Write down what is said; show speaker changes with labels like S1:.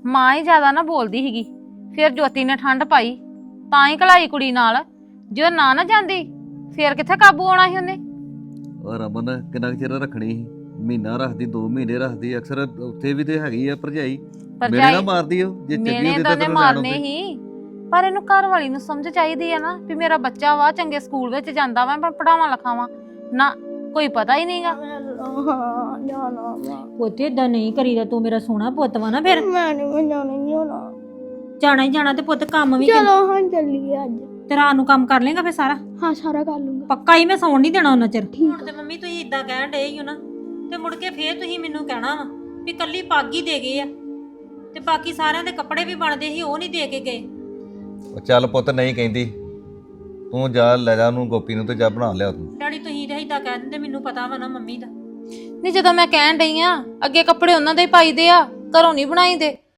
S1: ਮਾਂ ਹੀ ਜ਼ਿਆਦਾ ਨਾ ਬੋਲਦੀ ਸੀਗੀ। ਫਿਰ ਜੋਤੀ ਨੇ ਠੰਡ ਪਾਈ ਤਾਂ ਹੀ ਘਲਾਈ ਕੁੜੀ ਨਾਲ। ਜੇ ਨਾ ਜਾਂਦੀ ਫਿਰ ਕਿੱਥੇ ਕਾਬੂ ਆਉਣਾ ਸੀ ਉਹਨੇ।
S2: ਔਰ ਰਮਨ ਕਿੰਨਾ ਕੁ ਚਿਰ ਰੱਖਣੀ ਸੀ? ਮਹੀਨਾ ਰੱਖਦੀ, 2 ਮਹੀਨੇ ਰੱਖਦੀ, ਅਕਸਰ ਉੱਥੇ ਵੀ ਤੇ ਹੈਗੀ ਆ ਭਰਜਾਈ। ਮੇਰੇ ਨਾਲ ਮਾਰਦੀ ਉਹ ਜੇ ਚੱਲੀ
S1: ਮੇਰੇ
S2: ਉਹਦੇ
S1: ਤਾਂ
S2: ਤੇ
S1: ਨੇ
S2: ਤੈਨੂੰ
S1: ਮਾਰਨੇ ਹੀ। ਪਰ ਇਹਨੂੰ ਘਰ ਵਾਲੀ ਨੂੰ ਸਮਝ ਚਾਹੀਦੀ ਆ ਨਾ ਵੀ ਮੇਰਾ ਬੱਚਾ ਵਾ, ਚੰਗੇ ਸਕੂਲ ਵਿੱਚ ਜਾਂਦਾ ਵਾ, ਮੈਂ ਪੜਾਵਾਂ ਲਿਖਾਵਾਂ ਨਾ। ਕੋਈ ਪਤਾ ਹੀ ਨਹੀਂਗਾ।
S3: ਪੁੱਤ ਏਦਾਂ ਨਹੀਂ ਕਰੀਦਾ, ਤੂੰ ਮੇਰਾ ਸੋਹਣਾ ਪੁੱਤ ਵਾ ਨਾ। ਫਿਰ
S4: ਮੈਂ ਨਹੀਂ ਜਾਣਾ
S3: ਜਾਣਾ ਹੀ ਜਾਣਾ ਤੇ ਪੁੱਤ ਕੰਮ ਵੀ
S4: ਚਲੋ ਹਾਂ ਚੱਲੀਏ ਅੱਜ।
S3: ਤੇ ਰਾਤ ਨੂੰ ਕੰਮ ਕਰ ਲੇਗਾ ਫਿਰ ਸਾਰਾ?
S4: ਹਾਂ ਸਾਰਾ ਕਰ ਲੂੰਗਾ।
S3: ਪੱਕਾ ਹੀ ਮੈਂ ਸੌਣ ਨਹੀਂ ਦੇਣਾ ਉਹਨਾਂ ਚਿਰ।
S4: ਠੀਕ
S3: ਤੇ ਮੰਮੀ ਤੁਸੀਂ ਇਦਾਂ ਕਹਿਣ ਡਏ ਹੀ ਹੋ ਨਾ, ਤੇ ਮੁੜ ਕੇ ਫੇਰ ਤੁਸੀਂ ਮੈਨੂੰ ਕਹਿਣਾ ਵਾ ਵੀ ਕੱਲੀ ਪੱਗ ਹੀ ਦੇ ਗਏ ਆ ਤੇ ਬਾਕੀ ਸਾਰਿਆਂ ਦੇ ਕੱਪੜੇ ਵੀ ਬਣਦੇ ਸੀ ਉਹ ਨਹੀਂ ਦੇ ਕੇ ਗਏ।
S2: ਉਹ ਚੱਲ ਪੁੱਤ ਨਹੀਂ ਕਹਿੰਦੀ, ਤੂੰ ਜਾ ਲੈ ਜਾ ਉਹਨੂੰ ਗੋਪੀ ਨੂੰ ਤੇ ਜਾ ਬਣਾ ਲਿਆ ਤੂੰ।
S3: ਡੈਡੀ ਤੁਸੀਂ ਤਾਂ ਇਦਾਂ ਕਹਿ ਦਿੰਦੇ, ਮੈਨੂੰ ਪਤਾ ਵਾ ਨਾ ਮੰਮੀ ਦਾ।
S1: ਨਹੀਂ ਜਦੋਂ ਮੈਂ ਕਹਿਣ ਡਈ ਆ ਅੱਗੇ ਕੱਪੜੇ ਉਹਨਾਂ ਦੇ ਹੀ ਪਾਈਦੇ ਆ, ਘਰੋਂ ਨਹੀਂ ਬਣਾਈਦੇ।